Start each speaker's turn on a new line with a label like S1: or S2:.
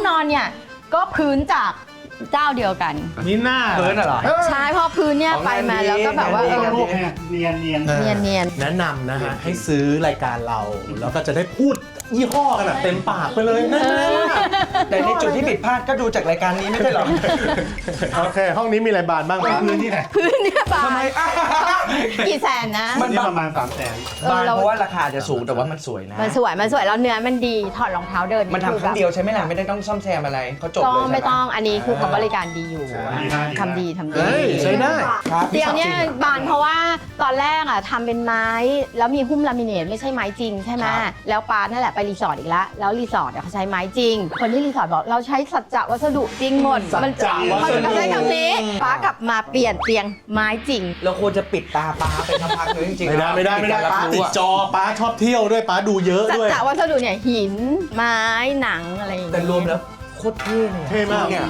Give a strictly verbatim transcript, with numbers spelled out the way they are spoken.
S1: นอนเนี่ยก็พื้นจากเจ้าเดียวกัน
S2: นี่หน้า
S3: เพิร์นเหรอ
S1: ใช่เพราะพื้นเนี่ยไปมาแล้วก็แบบว่าเออ
S2: พวกเนี่ยเนียนเนียน
S1: เนียนเนียน
S4: แนะนำนะฮะให้ซื้อรายการเรา แล้วก็จะได้พูดยี่ห้อกันแบบเต็มปากไปเลยนะ
S3: แต่ในจุดที่ผิดพลาดก็ดูจากรายการนี้ไม่ใช่เหรอ
S4: โอเค ห้องนี้มีอะไรบานบ้างครับ
S2: พื้นที่ไหน
S1: พื้นเนี่ยบา
S3: ทำไม
S1: น
S3: อ่ะ
S1: กี่แสนนะ
S2: มันประมาณสามแสน
S1: เออบ
S3: าน
S1: เรา
S3: เพราะว่าราคาจะสูงแต่ว่ามันสวยนะ
S1: มันสวยมันสวยแล้วเนื้อมันดีถอดรองเท้าเดิน
S3: มันทำครั้งเดียวใช่ไหมล่ะไม่ได้ต้องซ่อมแซมอะไรเขาจบ
S1: ก็
S3: เลยใช่
S1: ไม่
S3: ไหม
S1: ต้องอันนี้คือเขาบริการดีอยู่ทำดีทำดี
S4: เฮ้ย ใช้ได้
S3: ครับ
S1: เตียงเนี่ยบานเพราะว่าตอนแรกอ่ะทำเป็นไม้แล้วมีหุ้มลามิเนตไม่ใช่ไม้จริงใช่ไหมแล้วปานั่นแหละไปรีสอร์ทอีกแล้วแล้วรีสอร์ทเขาใช้ไม้จริง คนที่รีสอร์ทบอกเราใช้สัจจะวัสดุจริงหมด
S4: สัจจะ
S1: มัน
S4: วัสดุ
S1: เขาใช้คำนี้ป้ากลับมาเปลี่ยนเตียงไม้จริง
S3: เราควรจะปิดตาปลาไปทำพักนึงจริงๆ
S4: ไม่ได้ไม่ได้ไม่ได้
S3: กรรับ
S4: ป้า
S3: รู้
S4: ติด
S3: อะ
S4: จอป้าชอบเที่ยวด้วยป้าดูเยอะ
S1: สัจ
S4: ด้วย
S1: จะวัสดุเนี่ยหินไม้หนังอะไรอย่าง
S3: แต่
S1: เงี้ย
S3: รวมแล้วโคตรเท่เลยอะ
S4: เท่มาก
S3: เนี่ย